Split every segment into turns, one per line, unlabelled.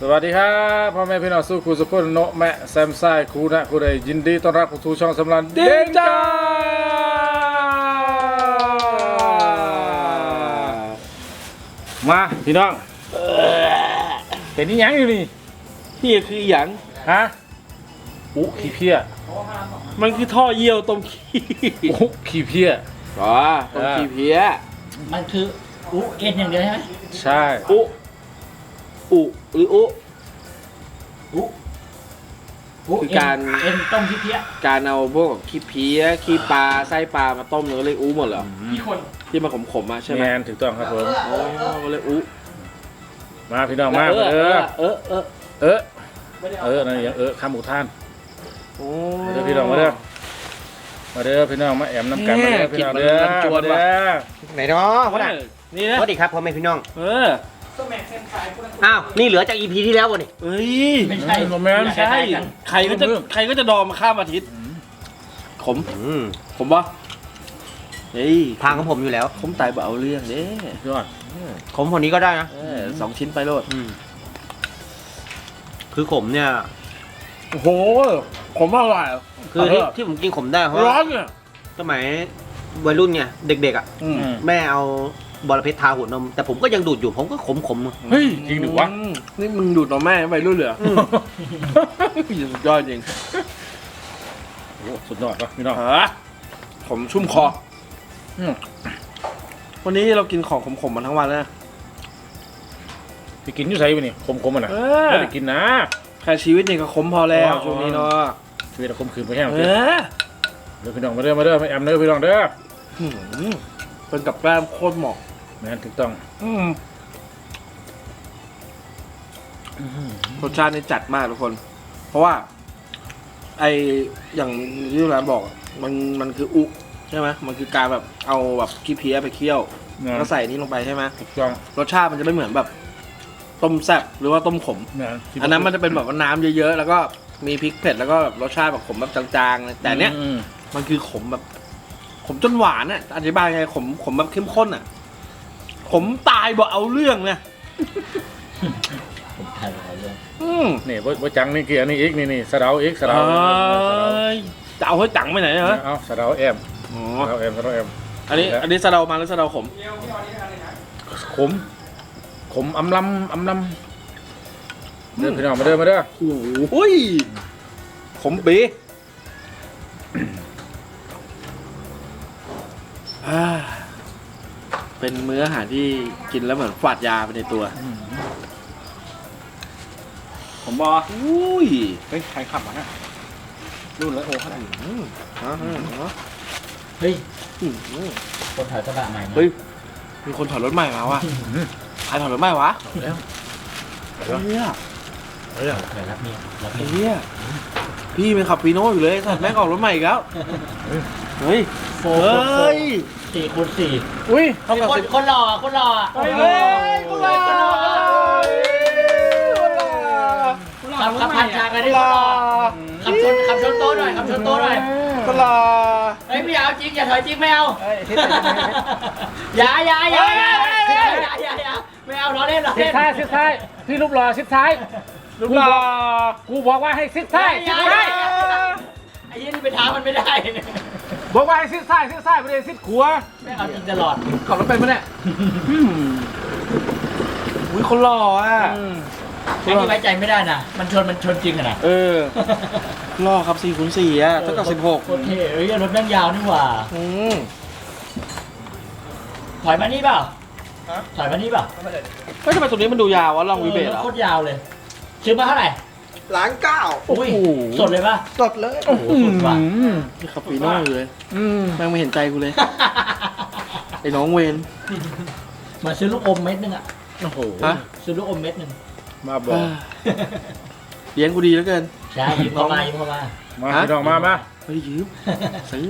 วัสดีครับพ่อแม่พี่น้องสู้ครูสุขุนโนแมะแซมไซครูนะครูใดยินดีต้อนรับสู่ช่องสำรันเด้งจ้ามาพี่น้องเป็นนี่ยังอยู่นี่
นี่คือหยัง
ฮะอุ๊ขี้เพี้ย
มันคือท่อเยี่ยวต้มขี้
อุ๊ขี้เพี้ย
อ๋อต้มขี้เพี้ย
มันคืออุเอ็นอย่างเดียวใช่ไหม
ใช่
อุหรืออุ
อุ
คือการ
เอ็นต้มขี้เพี้ย
การเอาพวกขี้เพี้ยขี้ปลาไส้ปลามาต้มเรียกอุหมดเหรอ
กี่คน
ที่มันขมๆมาใช่ไหม
แมนถูกต้องครับผม
อ๋อเรียกอุ
มาพี่น้องมา
เอ
เอ
อ
อ
เออ
นั่นอย่างคำอุทาน
โอ้
มาเด้อพี่น้องมาเด้อพี่น้องมาแอมน้ำกันมาเด้อพี่น้องเด้อมาเด้อ
ไหนเนาะพ่อหน่ะ
นี่นะ
สวัสดีครับพ่อแม่พี่น้อง
เออ
อ้าว นี่เหลือจาก EP ที่แล้ววะนี่
เฮ้ย
ไม่ใช่
แมน
ใช่ใครก็จะดองมาข้ามอาทิตย์ขม ขมปะเฮ้ย
ทางของผมอยู่แล้ว
ขมตายบ่เอาเรื่องเด้
ยอด
ขมคนนี้ก็ได้นะ
2 ชิ้นไปโลด
คือขมเนี่ย
โอ้โหผมอร่อย
คือที่ผมกินขมได้เพราะ
ร้อ
ว่าน
เนี่ย
สมัยวัยรุ่นเนี่ยเด็กๆอ่ะ แม่เอาบอระเพ็ดทาหัวนม แต่ผมก็ยังดูดอยู่ผมก็ขม
เฮ้ยจริงหรือวะ
นี่มึงดูดนมแม่ไปรุ่นเหลือสุดยอดจริง
โอ้สุดยอดวะพี่น้อง
ฮะผมชุ่มคอ
อืม
วันนี้เรากินของขมๆมาทั้งวันแล้ว
ไปกินอยู่ไสไปนี่คมๆมันอ่ะ
เออ
ไม่ได้กินนะ
แค่ชีวิตนี่ก็ขมพอแล้วช่วงนี้เนาะ
ชีวิตเราคมคืนไปแห้ง
เอ
เด้อ
อ
เดี๋ยวพี่น้องมาเด้อมาแอมเด้อพี่น้องเด้อ
เป็นกับแกล้มโคตรเหมาะ
แม่นถูกต้อง
รสชาตินี่จัดมากทุกคน เพราะว่า ไออย่างที่ร้านบอกมันคืออุใช่ไหมมันคือการแบบเอาแบบขี้เพี้ยไปเคี่ยวแล้วใส่นี่ลงไปใช่ไหม
ถูกต้อง
รสชาติมันจะไม่เหมือนแบบต้มแซ่บหรือว่าต้มขม
แม่น
อันนั้นมันจะเป็นแบบว่าน้ำเยอะๆ แล้วก็มีพริกเผ็ดแล้วก็แบบรสชาติแบบขมแบบจางๆเลยแต่เนี้ย
อืม
มันคือขมแบบ ขมจนหวานอ่ะอธิบายไงขมแบบเข้มข้นอ่ะ ขมตายบ่เอาเรื่องเนี่ย
ผมทายไปเรื่อง
นี่บ่จังนี่คืออันนี้อีกนี่สะเดาอีกสะเดา
จะเอาให้จังไปไหนเหรอ
เอาสะเดาแอม
อ๋อ
สะเดาแอม
อันนี้สะเดามาหรือสะเดาขม
ขมอำลำเด้อพี่น้องมาเด้อ
โอ้ยขมปีเป็นมื้ออาหารที่กินแล้วเหมือนฝาดยาไปในตัว
ผมบอ
อุ้ย
เฮ้ยใครขับมาฮะรุ่นแล้วโอ้ขนาด
เฮ้ยคนถอยกระบะใหม่มา
เฮ้ยมีคนถอยรถใหม่มาว่ะใครถอยรถใหม่วะ
แล้ว
เฮีย
เฮ้ย
ถอยรับเนี่ยรับ
ไอ้
เนี่ย
เฮียพี่เป็นขับปีโน่อยู่เลยสัตว์แม่งออกรถใหม่อีกแล้วเฮ้ย
โฟ
เฮ้ย
4x4
อุ้ย
เท่ากับ10
คนหล่อคนหล่อ
เฮ้ยคนหล่อ
ขับผ่านฉากกันได้คนหล่อขับชนโต๊ะหน่อยขับชนโต๊ะหน่อย
คนหล่อ
เฮ้ยไม่เอาจริงอย่าถอยจริงไม่เอาอย่าไม่เอาล้อเล่นล้อ
ซิด
เล่น
ซ้ายพี่รูปหล่อซิดซ้าย
รูปหล่อ
กูบอกว่าให้ซิดซ้าย
ไอ้ยี่นี่ไปท้ามันไม่ได้
บอกว่าให้ซิดซ้ายไม่ได้ซิดขวา
ไม่เอาจริงตลอด
ขับรถเป็นปะเนี่ยอุ้ยคนหล่ออ่ะ
ไอ้นี่ไว้ใจไม่ได้นะมันชนจริงอะนะ
หล่อครับ4x4อ่ะเท่ากับ16
โคตรเท่เอ้ยรถแม่งยาวนี่หว่า ถอยมานี่เปล่าถอยมานี่เปล่า
เฮ้ยทำไมตรงนี้มันดูยาววะลองวิเบต
รถ
อ่ะ
โคตรยาวเลยซื้อมาเท่าไหร่
1,900,000
อุ้ยสดเลยป่ะ
สดเลย
โอ้โหสุดว่ะ
นี่ขับปีโน่อยู่เลยแม่งไม่เห็นใจกูเลยไอ้น้องเวน
มาซื้อลูกอมเม็ดนึงอะ
โอ้โห
ฮะ
ซื้อลูกอมเม็ดนึง
มาบอก
เลี้ยงกูดีเหลือเกิน
ใช่ยืมเข้ามา
มาพี่น้องมา
เฮ้ยยืมซื้อ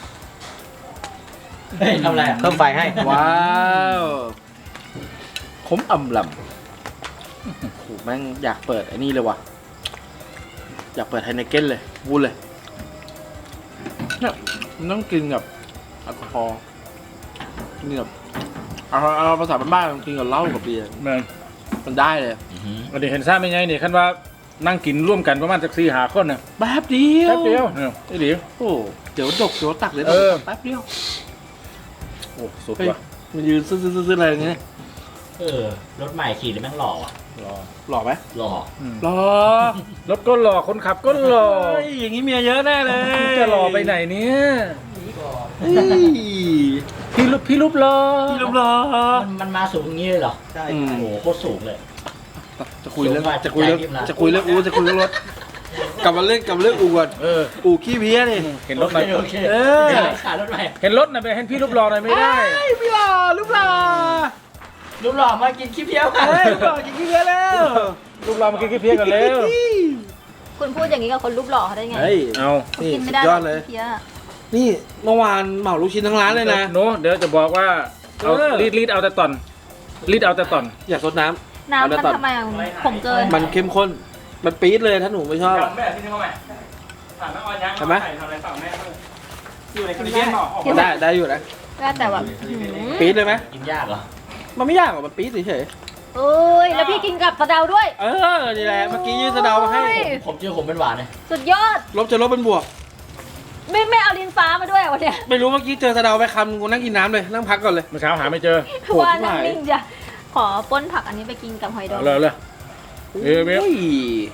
เฮ้ยทำอะไรอะ
เพิ่มไฟให้
ว้าวขมอ่ำลำโอ้โหแม่งอยากเปิดไอ้นี่เลยว่ะอยากเปิดไฮเนเก้นเลยวุ่นเลยเนี่ยมันต้องกินกับแอลกอฮอล์กินกับเอาภาษาบ้านๆกินกับเหล้ากับเบียร์
แม่น
มันได้เลย
วันนี้เห็นซ่าไม่ไงนี่คันว่านั่งกินร่วมกันประมาณสัก4-5 คนน่ะ
แป๊บเดียว
แป๊บเดียวเนี่ยไอ้ดิ
โอ้เดี๋ยวดกเดี๋ยวตักเดี๋ยว
เออ
แป๊บเดียว
โอ้สุด
เฮ้ย
ว่ะ
มันยืนซื้ออะไรอย่างเงี้ย
รถใหม่ขี่แล้วแม่งหล่ออ่ะ
รอ
หล่อไหม
หล่อ
หล่อ
รถก็หล่อคนขับก็หล่อ
เฮ้ยอย่างงี้เมียเยอะแน่เลย
จะหล่อไปไหนเนี่ย
เฮ้ย
พี่รูปหล่อ
พี่รูปหล่อ
มันมาสูงอย่างนี้เลยเหรอ
ใช่
อืม
โอ้โหโคตรสูงเลย
จะคุยเรื่อง
สูงกว่า
จะคุยเรื่อง
ใจพี่นะ
จะคุยเรื่องอูจะคุยเรื่องรถกลับมาเรื่องอูก่อน
เออ
อูขี้เพี้ยนี่
เห็นรถหน่อย
โอเค
เออ
ขายรถใหม่
เห็นรถหน่อยไปเห็นพี่รูปหล่อหน่อยไม่ได้
เอ้ยพี่หล่อรูปหล่อ
รูปหล่อมากินขี้เพี้ยวกัน
เฮ้ยรูปหล่อกินขี้เพี้ยแล้ว
รูปหล่อมากินขี้เพี้ยกันแล้ว
คุณพูดอย่างนี้กับคนรูปหล่อเขาได้ไง
เฮ้ย
เอา
นี่
กิน
สุ
ไม่
ด
ได้
ยอดเลย
เพี้ย
นี่เมื่อวานเหมาลูกชิ้นทั้งร้านเลยนะ
หนูเดี๋ยวจะบอกว่าเอา
เออ
รีดเอาแต่ตอนรีดเอาแต่ตอน
อยากซดน้ำ
น้ำ
เอา
มั
แต่
น
ตอน
ทำไมอะผมเกิน
มันเข้มข้น มันปี๊ดเลยถ้าหนูไม่ชอบอะ
แม่ที่นี่เขาไหมถามแม่ออนยัง
ใช่ไหม
ทำอะไรฝั่งแม่อยู่ในคลิปเย็นหรอ
ได้อยู่นะ
ก็แต่แบบหืม
ปี๊ดเลยไหม
กินยากเหรอ
มันไม่ยากหรอกมันปี๊ดเฉย
เอ้ยแล้วพี่กินกับสะเดาด้วย
ๆเออนี่แหละเมื่อกี้ยืดสะเดามาให้
โอ้ย
ผมเจอผมเป็นหวานเลย
สุดยอด
ลบจะลบเป็นบวก
ไม่เอาลิ้นฟ้ามาด้วยวันเนี้ย
ไม่รู้เมื่อกี้เจอสะเดาไปคำกูนั่งกินน้ำเลยนั่งพักก่อนเลย
เมื่อเช้าหาไม่เจอ
โหด
ว่า
ที่
นั่ง
ไหน
นิ่งจ้ะขอป้นผักอันนี้ไปกินกับหอยดอง
เอาเลยเอ้ยเว้ย
โอ้ย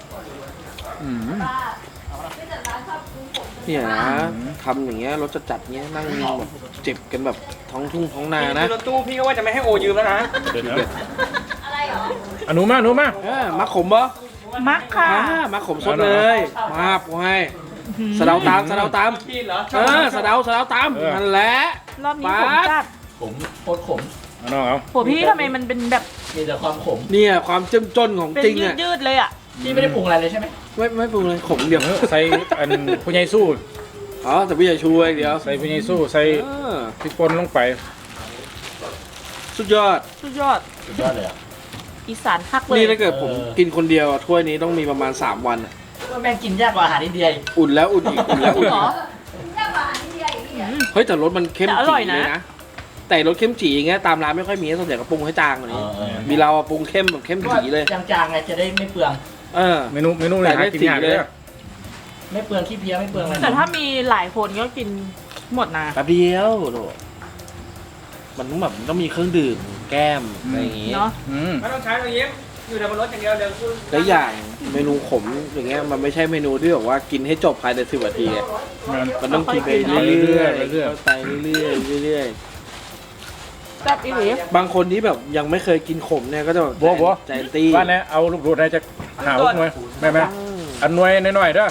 เนี่ยนะทำอย่างเงี้ยรถจัดๆเงี้ยนั่งแบบเจ็บกันแบบท้องทุ่งท้องนานะ
รถตู้พี่ก็ว่าจะไม่ให้โอยืมแล้วนะ
เดี๋ยวนะ
อะไรเหรอ
อ่ะหนูมา
มักขมปะ
มักค่ะ
มักขมสดเลยมาบให้สะเดาตามสะเดาตาม
พี่เหรอ
สะเดาตามนั่นแหละ
รอบนี้ผมจัด
ผมโคตรขม
เอาน้องเอา
โหพี่ทำไมมันเป็นแบบ
มีแต่ความขม
เนี่ยความเจ้มจนของ
เป็น
จริง
ยื
อ่ะ
ดยืดๆเลยอ่ะ
พี่ไม่ได้ปรุงอะไรเลยใช่ไหม
ไม่ปรุงเลยขมเดียว
ใส่อันผู้ใหญ่สู้
อ๋อแต่พี่อย่าช่วยเดียว
ใส่ผู้ใหญ่สู้ใส่
เออ
พริกป่นลงไป
สุดยอด
สุดยอด
สุดยอดเลยอ่ะ
อีสานคักเลย
นี่ถ้าเกิดผมกินคนเดียวอะถ้วยนี้ต้องมีประมาณ3 วันอะ
ว่าแม่งกินยากกว่าอาหารอินเดียอีก
อุ่นแล้วอุ่นอีกอุ่นแล้วอุ่น
เหร
อี
อก
แค่หวานนิดเดียวอย่างนี้เหรอ
เฮ้ยแต่รสมันเข้ม
แต่อ
จี
ร่อยนะ
เลยนะแต่รสเข้มจีอย่างเงี้ยตามร้านไม่ค่อยมีส่วนใหญ่ก็ปรุงให้จางกว่านี้มีเราอะปรุงเข้มแบบเข้มจีเลย
จางๆไงจะได้ไม่เปลือง
เออ
เมนูไหน
แต่ได้
หากินยาก
สี
เล
เลย ย
ไม่เปลืองขี้เพี้ยไม่เปลืองอะไร
แต่ถ้ามีหลายคนก็กินหมดนะ
แป๊บเดียวโถมันต้องแบบต้องมีเครื่องดื่มแก้มอะไรอย่างงี้
เนาะ
อืม
ไม่ต้องใช้เลยยิ้มอยู่แต่บนรถอย่างเดียวเดี๋ยวคุณ
และอย่างเมนูขมอย่างเงี้ยมันไม่ใช่เมนูที่แบบว่ากินให้จบภายใน10 นาทีไงมันต้องกินไปเรื่อยๆเข้าไปเรื่อยๆเรื่อย
แซ่บอีหลี
ๆบางคนที่แบบยังไม่เคยกินขมเนี่ยก็จะแบบ
บัว
ใจตี้
ว่าเนี่ยเอาลูกโดดไหนจะหาลูกหน่วยแม่อันหน่วยหน่อยๆเด้อบ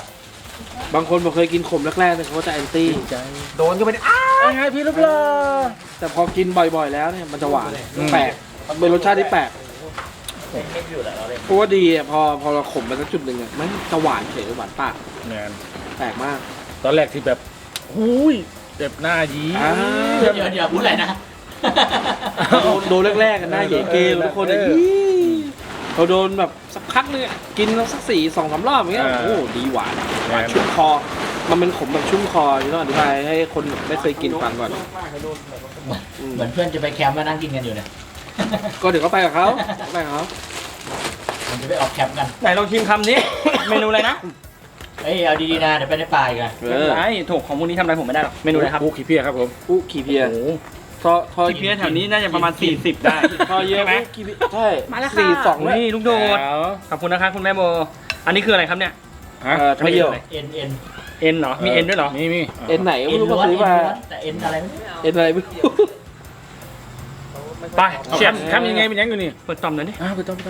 างคนบอกเคยกินขมแรกๆแต่เขาก็จะแอนตี้
โดนก็ไปอ้า
ไงพี่ลูกหล่อ
แต่พอกินบ่อยๆแล้วเนี่ยมันจะหวานแปลกมันเป็นรสชาติที่แปลก
ไม่อยู่แหละเราเลย
เพราะว่าดีอ่ะพอเราขมไปสักจุดหนึ่งอ่ะมันจะหวานเฉยหวานปาก
แมน
แปลกมาก
ตอนแรกที่แบบหุยเจ็บหน้ายี
อ่า
เดี๋ยวพูดอะไรนะ
โดนแรกๆกันหน้าเหย่เกย์ทุกคนเลยเราโดนแบบสักพักนึงอะกินสัก2-3 รอบอย่างเงี้ยโอ้ดีหวานหวานชุ่มคอ มันเป็นขมแบบชุ่มคอที่ต้องอธิบายให้คนไม่เคยกินฟังก่อน
เหมือนเพื่อนจะไปแคมป์มานั่งกินกันอยู่เนี่ย
ก็เดี๋ยวก็ไปกับเขาไปกับเขา
มันจะไปออกแคมป์กัน
ไหนลองชิมคำนี้ เมนูอะไรนะ
เอ้ยเอาดีๆนะเดี๋ยวไปได้ปลายกัน
ไอ้ถูกของพวกนี้ทำอะไรผมไม่ได้หรอกเมนูอะไรครับ
ปูขี้เพี้ยครับผม
อู้ขี่เพีย
โอ้โห
ทอ
ที่เพี้ยแถวนี้น่าจะประมาณ40ได้
ทอเยอะไหมใช่
มาแล้วค่ะ
42ด้วย
นี่ลูกโดด
แล้ว
ขอบคุณนะคะคุณแม่โบ อันนี้คืออะไรครับเนี่ย
ฮะ
ทอเยอะ
เอ็น
เอ็นเหรอ มีเอ็นด้วยเหรอ
มี
เอ็นไหนก็
เอ็
ไม่
น
รู้
ล้
มา
วน
ซื้อมา
แต่เอ็นอะไรไม่รู้
เอ็นอะไรไม่รู้
ไป
เช
เชีย
ฟ
บ
ทำยังไงเป็นยังอยู่นี่
เปิดต่อมหน่อยดิ
ไปต้อง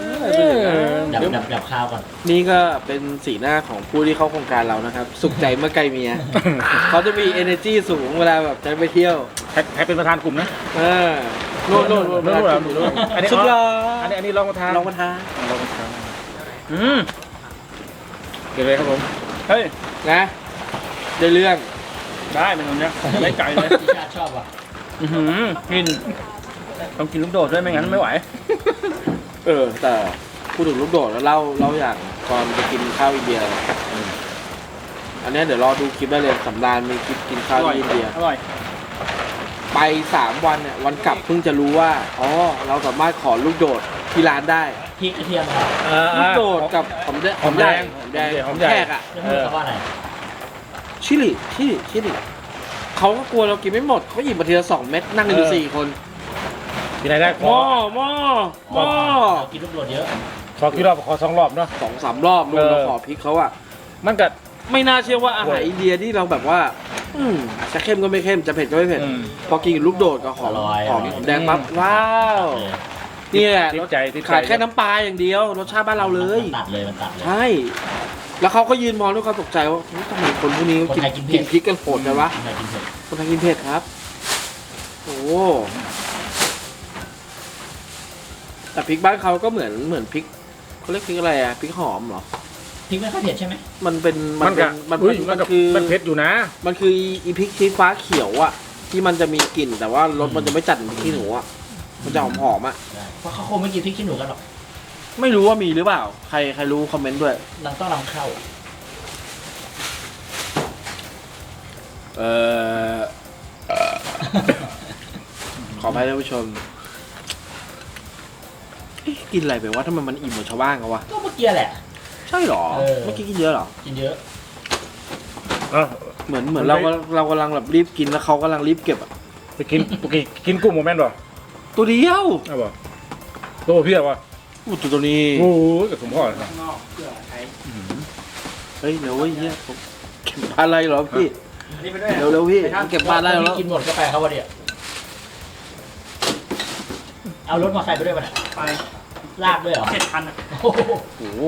ดับข้าวก่อน
นี่ก็เป็นสีหน้าของผู้ที่เข้าโครงการเรานะครับ สุขใจเมื่อไกลเมีย เขาจะมี energy สูงเวลาแบบจะไปเที่ยว
แพ็คเป็นประธานกลุ่มนะ
เออโน่น
อันนี้
สุดยอ
อัน
ด
นี้ลองมาทาน
ลองมาทาน
ลองมาทาน
อืม
เดี๋ยวเลยครับผม
เฮ้ย
นะได้เรื่อง
ได้เป็นคนเนี้ยได้ใจเลย
พี่ชาติชอบอ่ะ
กินต้องกินลูกโดดด้วยไม่งั้นไม่ไหว
แต่พูดถึงลูกโดดแล้วเล่าอย่างตอนไปกินข้าวอินเดียอันเนี้ยเดี๋ยวรอดูคลิปได้เลยสำราญมีคลิปกินข้าวที่อินเดีย
อร่อย
ไป3 วันเนี่ยวันกลับเพิ่งจะรู้ว่าอ๋อเราสามารถขอลูกโดดที่ร้านได้
พริกกระเทียมครับ
ลูกโดดกับหอมแดง
หอมแดง
หอมแขกอ่ะ
แล้วพูดคำว่าอะไร
ชิลิเขาก็กลัวเรากินไม่หมดเขาหยิบมาทีละ2 เม็ดนั่งกันอยู่4 คน
ที่ไหนได้ข
ห
อ
ม้อ
เรากินลูกโดดเยอะ
ขอกี่รอบขอ2 รอบเนาะ
2-3 รอบดูเราขอพริกเขาอ่ะ
มันก็
ไม่น่าเชื่อว่าอาหารอินเดียที่เราแบบว่า จะเข้มก็ไม่เข้มจะเผ็ดก็ไม่เผ็ด พอกินกับลูกโดดกับหอมแดงปั๊บว้าวนี่แหละ
ติดใจ
ขาดแค่น้ำปลาอย่างเดียวรสชาติบ้านเราเลย
มันตัดเลย
ใช่ แล้วเขาก็ยืนมองด้วยความตกใจว่าเฮ้ยทำไมคนพวกนี้
คนไทยกินเผ็ด
พริกกันโหดเลยวะ
กินเผ็ด
คนไทยกินเผ็ดครับ โอ้แต่พริกบ้านเขาก็เหมือนพริกเขาเรียกพริกอะไรอ่ะพริกหอมเหรอ
พริกไม่ค่อยเผ็ดใช่ไหม
มันเป็น
มันก็
มัน
อุ้ย
มั
มัน
น
ก็
คือ
มันเผ็ดอยู่นะ
มันคืออีพริกชี้ฟ้าเขียวอ่ะที่มันจะมีกลิ่นแต่ว่ารสมันจะไม่จัดเหมือนพริกขี้หนูอ่ะมันจะหอมๆอ่ะ
เพราะเขาคงไม่กินพริกขี้หนูกันหรอก
ไม่รู้ว่ามีหรือเปล่า ใครรู้คอมเมนต์ด้วย
เราต้องนำเข้า
เออ ขออภัยท่านผู้ชมเอ๊ะกินอะไรไปวะทำไมมันอิ่มเหมือนชาวบ้านเขาวะ
ก็เมื่อกี้แหละ
ใช่หรอ
เออ
เมื่อกี้กินเยอะหรอ
กินเยอะ
เหมือนเรากำลังแบบรีบกินแล้วเขากำลังรีบเก็บอ่ะ
ไปกินกุ้งโมเมนต์บ่
ตัวเดียว
เอาบ่ตัวเพี้ยวะ
อู้ตัวนี้
โอ้ยกับสมพ่อเลย
เฮ้ยเดี๋ยวเว้ยเนี่ยผมเก็บปลาอะไรเหรอพี่เร็วพี่เก็บปลาอะไรเหรอ
กินหมดก็ไปครับวันเดียวเอารถมาใครไปด้วยป่ะเนี่ย
ไป
ลากด้วยเหรอ
7,000อ่ะ
โอ้โห
โอ้โห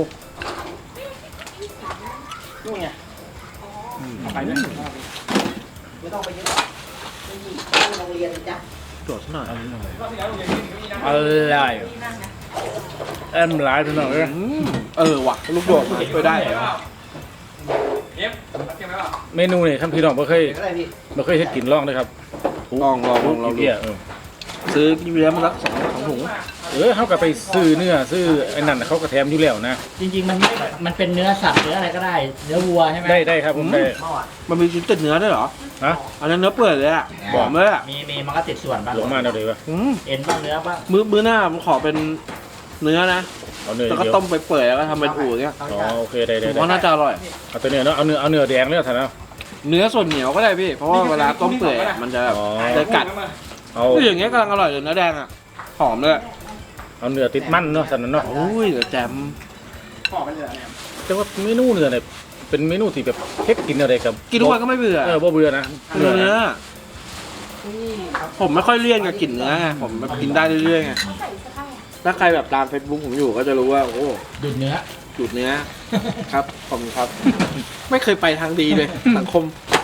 นู่นไงเอาไปด้วย
โดดซะหน่อย
อะไรแอมหลายพี่น้องเอ้ย
ว่ะลูกโดดมาช่วยได้
เมนูนี่ท่านพี่น้องบ่เคยเฮ็ดกินลองเลยครับ
ลองเราดู
เพี้ย
ซื้อกินเลี้ยงมาสัก2 ถุง
เขาก็ไปซื้อเนื้อซื้อไอ้นั่นเขาก็แถมอยู่แล้วนะ
จริงๆมันเป็นเนื้อสัตว์เนื้ออะไรก็ได้ เนื้อวัวใช่ไหม
ได้ครับผมได้
มันมีชิ้นติดเนื้อด้วยเหรอ
ฮะ
อันนั้นเนื้อเปื่อยเลยอ่ะหอมเลยอ่ะ
มีมันก็ติดส่วนบ้าง
ลงมาเอาเลยวะ
เอ็นบ้างเนื้อบ้าง
มื้อหน้าผมขอเป็นเนื้อนะ
เอาเนื้อ
แล้วก็
เดียว
ต้มไปเปื่อยแล้วก็ทำเป็นอู่เงี้ย
อ๋อโอเคได้
ผมว่าน่าจะอร่อย
เอาตัวเนื้อเนาะเอาเนื้อแดงเลยท่านเนาะ
เนื้อส่วนเหนียวก็ได้พี่ เพราะว่าเวลาต้มเปื่อยอะมันจะแบบ
อ๋อ
จะกัด
เอา
คืออย่างเงี้ยกำลังอร่อยเลยเนื้อแดงอ่ะ หอมเลย
เอาเนื้อติดมันเนาะท่านเนาะ
โอ้ยเดี๋ยวแจม
ขอไปเลยเนี่ย
แต่ว่าเมนูเนื้อเนี่ยเป็นเมนูที่แบบเฮ็ดกินอะไรกับ
กินทุกวันก็ไม่เบื่อ
บ่เบื่อนะ
เนื้อผมไม่ค่อยเลี่ยนกับกลิ่นเนื้อไงผมแบบกินได้เรื่อยๆไงถ้าใครแบบตาม Facebook ผมอยู่ก็จะรู้ว่าโอ้
ดูดเนื้อ
จุดเนื้อ ครับขอบคุณครับ ไม่เคยไปทางดีเลย สังคม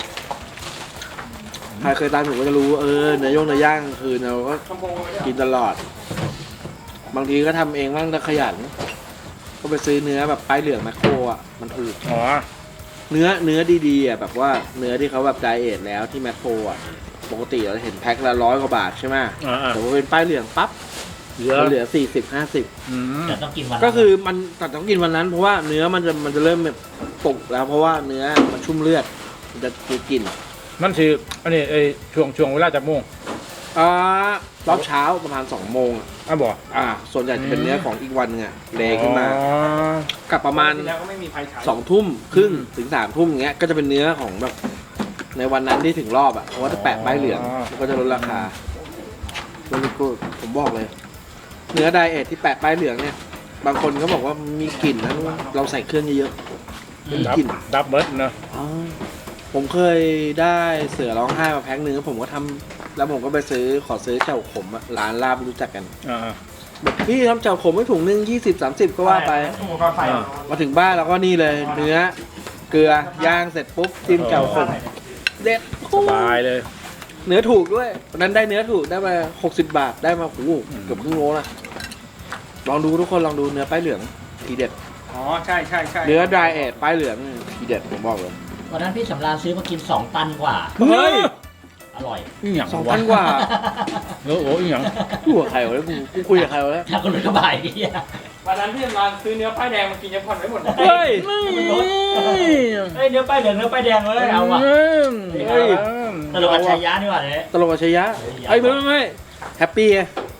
ใครเคยตามผมก็จะรู้ว่าเนื้อย่าง คือเราก็กินตลอด บางทีก็ทำเองบ้างถ้าขยัน ก็ไปซื้อเนื้อแบบป้ายเหลืองแมคโครอ่ะมันถูก
อ๋อ
เนื้อดีๆอ่ะแบบว่าเนื้อที่เขาแบบไดเอทแล้วที่แมคโครอ่ะปกติเราเห็นแพ็คละ100 กว่าบาทใช่ไหม
อ่า
แต่ว่าเป็นป้ายเหลืองปั๊บ
เหลือ
มันเหลือ40-50
อืม
แต่ต้องกินวัน
ก็คือมันแต่ต้องกินวันนั้น เพราะว่าเนื้อมันจะเริ่มแบบตกแล้ว เพราะว่าเนื้อมันชุ่มเลือดมันจะกลิ่น
มันสิอันนี้ไอ้ช่วงเวลาจากโมง
รอบเช้าประมาณ2 โมงอะ
บ่
ส่วนใหญ่จะเป็นเนื้อของอีกวันนึงอ่ะเลขึ้นมา
อ๋อ
กับประมาณ
แล้วก็ไม่มีไฟฉาย
2 ทุ่มครึ่งถึง3 ทุ่มอย่างเงี้ยก็จะเป็นเนื้อของแบบในวันนั้นที่ถึงรอบอ่ะเพราะว่าจะแปะป้ายเหลืองมันก็จะลดราคาแล้วก็ผมบอกเลย เนื้อไดเอทที่แปะป้ายเหลืองเนี่ย บางคนเขาบอกว่ามีกลิ่นนะเราใส่เครื่องเยอะๆเป็นกลิ่น
ดับเบิลเนาะ
ผมเคยได้เสือร้องไห้มาแพ็คหนึ่งแล้วผมก็ทำแล้วผมก็ไปขอซื้อเจ้าขมอะร้านลาบรู้จักกัน
อ่า
แบบพี่ทำเจ้าขมไม่ถุงนึง20-30 ก็ว่าไป
อุปกรณ์ไฟ
มาถึงบ้านแล้วก็นี่เลย เนื้อเกลือย่างเสร็จปุ๊บจิ้มเจ้าขมเด็ด
สบายเลย
เนื้อถูกด้วยวันนั้นได้เนื้อถูกได้มา60 บาทได้มาโอ้โหเกือบครึ่งโลนะลองดูทุกคนลองดูเนื้อป้ายเหลืองทีเด็ด
อ๋อใช่ใช่ใช่
เนื้อดรายเอทป้ายเหลืองทีเด็ดผมบอกเลย
วันนั้นพี่สำราญซื้อมากิน2 ตันกว่า
เฮ้ย
อร่อย
อีหยัง
2,000 กว่า
โอ้โหอีหยัง
กูกับใครวะเนี่ยกูคุยกับใครวะเนี่ย
ถ้าคนรู้ก็บายดีอะ
วันนั้นพี่สำรานซื้อเนื้อป้ายแดงมากินยังผ่อนไม่หมดเลย
เฮ้ย
เฮ้ยเนื้อป้ายเหลืองเนื้อป้ายแดงเลยเอาว่ะ
เฮ้ย
ตลกอัจฉริยะนี่หว่าเนี่ย
ตลกกับชัยยะไอ้ยไม่แฮปปี้ไง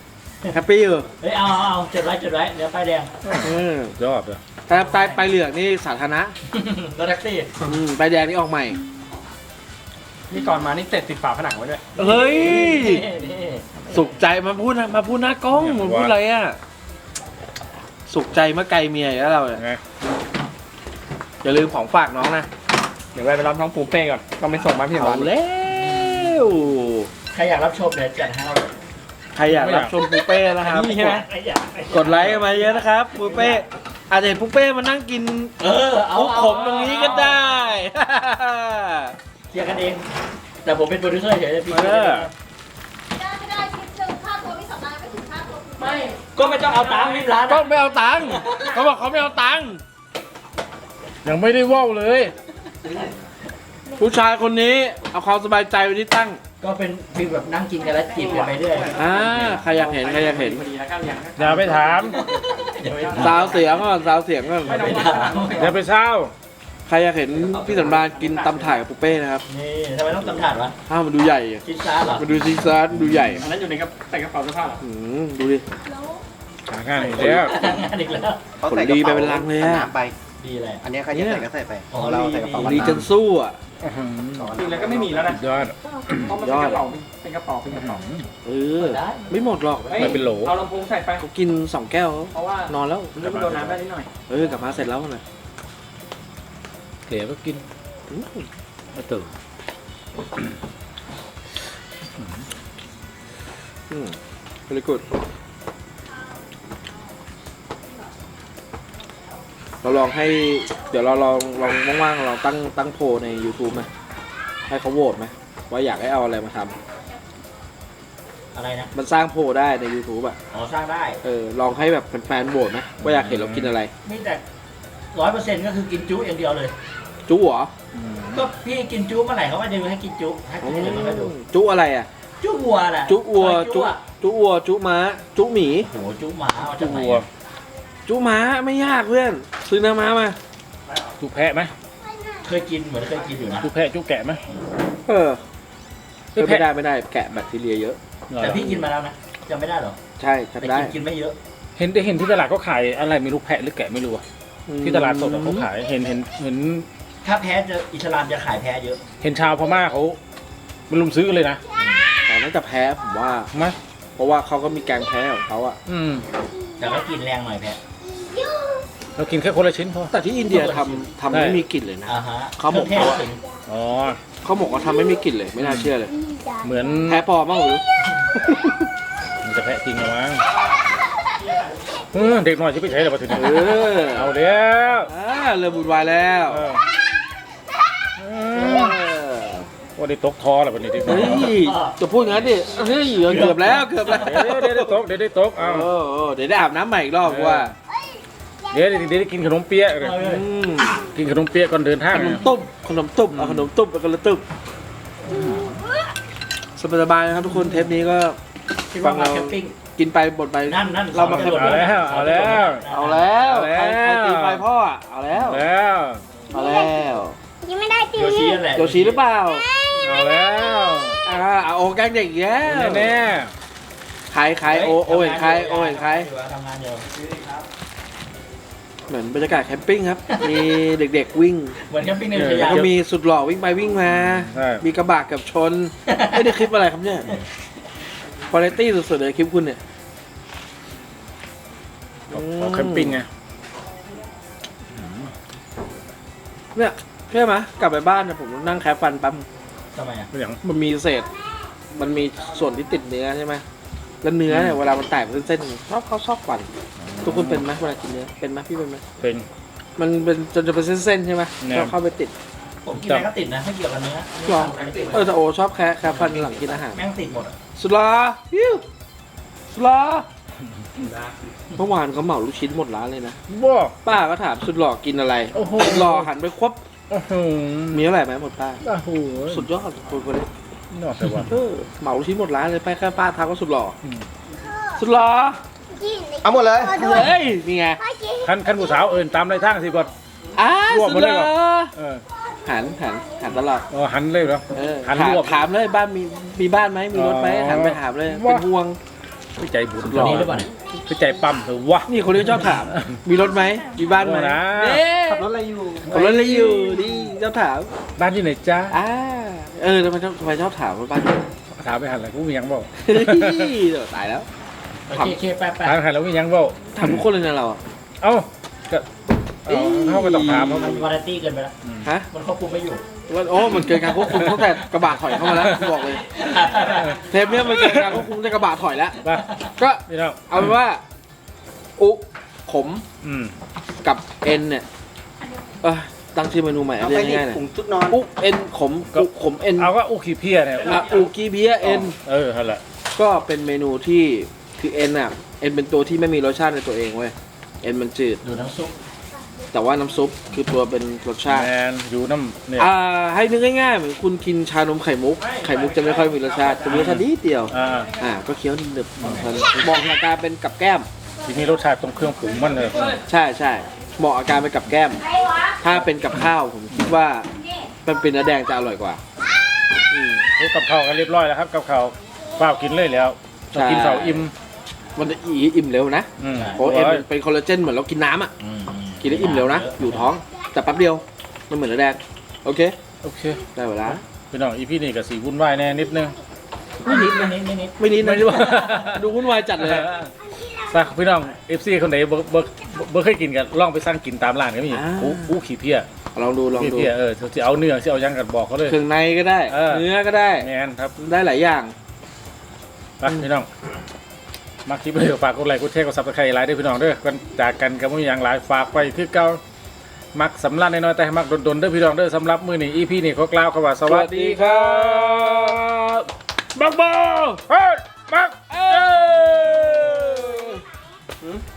แฮปปี้อยู่
เฮ้ยเอาจดไว้เดี๋ยวป้ายแดง
ยอดเลย
แต่ไปเหลืองนี่สาธารณะ
รถแท็กซี่
ไปแดงนี่ออกใหม่
นี่ก่อนมานี่เสร็จติดฝาผนังไว้ด้วย
เฮ้ย
นี่
สุขใจมาพูดหน้ากล้องมึงพูดอะไรอ่ะ สุขใจเมื่อไกลเมียแล้วเราเนี่ย
ไง
อย่าลืมของฝากน้องนะ
เดี๋ยวไปรับน้องปูเป้ก่อนต้องไปส่งมาพี่
เอา
ร้าน
แล้ว
ใครอยากรับชมเดี๋ยวจัดให้เรา
ใครอยากรับชมปูเป้นะครับ
นี่ใช่ไหม
ใครอยาก
กดไลค์กันมาเยอะนะครับปูเป้อาจจะเห็นปูเป้มานั่งกิน
เอา
มุกขมตรงนี้ก็ได้
เคลียร์กันเอง แต่ผมเป็นโปรดิวเซอร์เฉยๆพี่
เออ
ไม่ได้คลิปหนึ่งค่าตัวพี่สำรานไม่ถึงค่าตัวคุณ
ไม่ก็ไม่ต้องเอาตังค์รีบร้าน
ก็ไม่เอาตังค์เขาบอกเขาไม่เอาตังค์
ยังไม่ได้ว่าวเลย
ผู้ชายคนนี้เอาความสบายใจไว้ที่ตั้ง
ก็เป็นฟีลแบบนั่งกินกันแล้วจีบกันไปเรื่อย
ใครอยากเห็น
อย่าไปถาม
สาวเสียงก่อนสาวเสียงก่อน
ไม่ถาม
อย่าไปเศร้า
ใครอยากเห็นพี่สำราญกินตำถ่ายกับปูเป้นะครับ
นี่ทำไมต้องตำถาดวะ
มันดูใหญ่อะ
คิดซ่าเหรอ
มันดูซีซาร์ดูใหญ่
อันนั้นอยู่ในใส่กระเป๋าเสื้อผ้าเหรอ
ดูดิ
หางานอีกแล้ว
งานอีกแล้ว
เขาใส่กระ
ผลดีไป
เป๋า
เป็นลังเลยอะ
หนาไป
ดีเลย
อันเนี้ยใครจะใส่ก็ใส่ไป
อ๋อ
ของเราใส่กระเป๋า
ดีจนสู้อ่ะ
จริงแล้วก็ไม่มีแล้วนะ
ยอด
เพราะมันเป็นกระเป๋าเป็นกระเป๋าเป็นกระเป๋า
เออ ไม่หมดหรอก
ไม่เป็นโหล
เอาลำโพงใส่ไป
เขากิน2 แก้ว
เพราะว่าน
อนแล้ว
เรื่องมันโดนน้ำได้นิดหน่อย
กลับมาเสร็จแล้วนะ
เก๋ก็กินมาตื่น
very good เราลองให้ เดี๋ยวเราลองว่างๆเราตั้งโพลใน YouTube ไหมให้เขาโหวตไหมว่าอยากให้เอาอะไรมาทำ
อะไรนะ
มันสร้างโพลได้ใน YouTube อ่ะ
อ๋อสร้างได้
ลองให้แบบแฟนๆโหวตไหมว่าอยากเห็นเรากินอะไร
นี่แต่100%ก็คือกินจุอย่างเดียวเลย
จุเหรอ
ก็พี่กินจุเมื่อไหร่เขาก็จะให้กินจุให้กินอะไรมาให้ดู
จุอะไรอ่ะ
จุวัวแหละ
จุวัว
จุอะ
จุวัวจุม้าจุหมี
โหจุหมาเอาจากไหน
วัว
อะ
จุม้าไม่ยากเพื่อนซื้อเนื้อม้ามา
จุแพะไหม
เคยกินเหมือนเคยกินอยู่นะ
จุแพะจุแกะไหม
เออไม่ได้แกะแบคทีเรียเยอะ
แต่พี่กินมาแล้วนะจำไม่ได้หรอ
ใช่
แต่
จำได้
กินไม่เยอะ
เห็นที่ตลาดเขาขายอะไรไม่รู้แพะหรือแกะไม่รู้อะที่ตลาดสดอะเขาขายเห็น
ถ้าแพ้จะอิสลามจะขายแพ้เยอะ
เห็นชาวพม่าเขามันลุมซื้อกันเลยนะ
แต่น่าจะแพ้ผมว่า
ไหม
เพราะว่าเขาก็มีแกงแพ้ของเขาอะ
แต่ก็กินแรงหน่อยแพ้
เรากินแค่คนละชิ้นพอ
แต่ที่อินเดียทำไม่มีกลิ่นเลยนะ
อ่าฮะ
เขาบอก
ครื่องเทศถึง
อ๋อ
เขาบอกว่าทำไม่มีกลิ่นเลยไม่น่าเชื่อเลย
เหมือน
แพ้ปลอมบ้างหรือ
มันจะแพะจริงเหรอมั้งเด็กน้อยที่ไปใช้เดี๋ยวมาถึง เอาแล้ว
เริ่มบุญวายแล้ว
ว่าได้ตกทอแล้ววันนี้ดิ
เฮ้ยจะพูดงั้นดิเฮ้ยเกือบแล้ว
เดี๋ยวได้ตกเดี๋ยวได้ตกเอา
เดี๋ยวได้อาบน้ำใหม่อีกรอบว่า
เดี๋ยวได้กินขนมเปี๊ยะเลยกินขนมเปี๊ยะก่อนเดินทาง
ขนมตุ้มเอาขนมตุ้มแล้วก็ละตุ้มสบายๆนะครับทุกคนเทปนี้ก็
คิดว่ามาแคมปิ้ง
กินไปบ่นไป
นั่น
เรามาแคม
เอาแล้วเอาแล้ว
เอาแล้ว
เอาแล้ว
ใครตีไฟพ่ออะเอาแล้ว
แล้ว
เอาแล้ว
ยังไม่ได้ตี
โยชินั่นแหละ
โยชิหรือเปล่า
เอาแล้ว
โอแกล้งเด็กอีกแล้ว
แน่
ใครโอเห็นใครโอเห็นใคร
ทำงานอยู่
เหมือนบรรยากาศแคมปิ้งครับ มีเด็กๆวิ่ง
เหมือนแคมปิ้งในอุท
แล้
ยา
วน ก็มีสุดหล่อวิ่งไปวิ่งมา มีกระบะกับชนไม่ได้คลิปอะไรครับเนี่ยคุณภาพสุดๆเลยคลิปคุณเนี่ย
เอาแคมปิ้งไง
เนี่ยเชื่อไหมกลับไปบ้านเนี่ยผมนั่งแคะฟันปั๊ม
ทำไมอ่ะ
เป็นอย่าง
มันมีเศษ มันมีส่วนที่ติดเนื้อใช่ไหมแล้วเนื้อเนี่ยเวลามันแตกเป็นเส้นๆชอบฟันทุกคนเป็นไหมเวลากินเนื้อเป็นไหมพี่เป็นไหม
เป็น
มันเป็นจนจะเป็นเส้นๆใช่ไหม
แน่
แล้วเข้าไปติด
ผมกินอะไรก็ติดนะไม่เกี่ยวกับเนื้อ
หรอแต่โอชอบแคะฟันหลังกินอาหาร
แม่งติดหมดอ่ะ
สุลาฮิวสุลาเมื่อวานเขาเหมาลูกชิ้นหมดร้านเลยนะ
บ้า
ป้าก็ถามสุดหล่อกินอะไร
โอ้โห
สุดหล่อหันไปควับ
โอ้โห
มีเท่าไหร่ไหมหมดป้า
โอ้โห
สุดยอดคนนี้
นอกแต่ว่า
เหมาลูกชิ้นหมดร้านเลยไปแค่ป้าทักก็สุดหล่ออ
ม
สุดหล่อ
เอาหมดเลย
เฮ้ยนี่ไง
ขั้นผู้สาวเอินตามไรทางสิก่อน รวบ
สุ
หม
ด
ด
ห
เลย
ล่
เหร
อ
อ
หันตลอด
หันเลยเหรอหันรวบ
ถามเลยบ้านมีบ้านไหมมีรถไหม
อ๋อ
หันไปถามเลย
ว่า
เป็นห่วง
พี่ใจบุญ
ตัวนี้หรือเปล่าเนี่ย
พี่ใจปั๊มเถอะวะ
นี่คนที่ชอบถาม มีรถไหมมีบ้านไหม
โอ้นะ
เด้
ขับรถอะไรอยู่
ขับรถอะไรอยู่นี่ชอบถาม
บ้านอยู่ไหนจ้า
ทำไมชอบถามว่าบ้านอยู่
ถามไปหันอะไรกูมียังบอก
เฮ้ยเดี๋ยวตายแล้ว
โอเคแป๊บ
ถามหันแล้วมียังบอก
ถามทุกคนเลยนะเราอะ
เอ้าก็เขาก็ต้องถามเขา
มันวาไรตี้เกินไปแล้ว
ฮะ
มันควบคุมไม่อยู่
มันเกินการควบคุมตั้งแต่กระบะถอยเข้ามาแล้วกูบอกเลย เทปเนี้ยมันเกินการควบคุมตั้งแต่กระบะถอยแล้ว
ป่ะ
ก็
พี่น้อง
เอาเป็นว่าอุขม
อืม
กับเอ็นเนี่ยตั้งชื่อเมนูใหม่
เอา
เรี
ไป
ยก
นี่
ง่ายๆหน่อย
ผงชุดนอน
อุเอ็นขมอุขมเอ็น
เอาว่าอุขี้เพี้ยเนี่ย
อุกีเบียเอ็น
นั่นแหละ
ก็เป็นเมนูที่คือเอ็นอ่ะเอ็นเป็นตัวที่ไม่มีรสชาติในตัวเองเว้ยเอ็นมันจืด
ดูน้ำซุป
แต่ว่าน้ำซุปคือตัวเป็นรสชาติ
แมนอยู่น้ำเนี่ย
ให้นึกง่ายๆเหมือนคุณกินชานมไข่มุกไข่มุกจะไม่ค่อยมีรสชาติจะมีรสชาตินิดเดียว ก็เคี้ยวหนึบๆเหมาะกับการเป็นกับแก้ม
ทีนี้รสชาติตรงเครื่องปรุงมันเลย
ใช่ใช่เหมาะกับการเป็นกับแก้ม
ใครวะ
ถ้าเป็นกับข้าวผมคิดว่า
นี่
มันเป็นเนื้อแดงจะอร่อยกว่าอืม
กับข้าวกันเรียบร้อยแล้วครับกับข้าวเปล่ากินเลยแล้วต้องกินข้าวอิ่ม
มันจะอิ่มเร็วนะ
อืม
เพราะเอ็นมันเป็นคอลลาเจนเหมือนเรากินน้ำอ่ะกินแล้วอิ่มเร็วนะอยู่ท้องแต่แป๊บเดียวมันเหมือนเนื้อแดงโอเค
โอเค
ได้เวลา
พี่น้องอีพี่นี่กับสีวุ่นวายแน่นิดนึง
ไม่นิดไม่นิด
ไม่นิด
ไม่
นะ
รู้ว่า
ดูวุ่นวายจัดเลย
สักพี่น้อง FC คนไหนบ่เคยกินกันลองไปสั่งกินตามร้านก็มีอู้ขี้เพี้ย
ลองดู
ขี้เพี้ยจะเอาเนื้อจะเอายังกันบอกเขาเลย
เครื่องในก็ได้ เนื้อก็ได้
แมนครับ
ได้หลายอย่าง
ไปพี่น้องมาคลิปเลยฝากกดไลค์กดแชร์กดซับสไครต์ไลค์ด้วยพี่น้องเด้อกันจากกันกับมืออย่างหลายฝากไปคือเก่ามักสำลักน้อยๆแต่มักดนๆเด้อพี่น้องเด้อสำหรับมื้อนี้ EP นี่ขอกล่าวคำว่าสวัสดีครับบักบอเฮ้ยบัก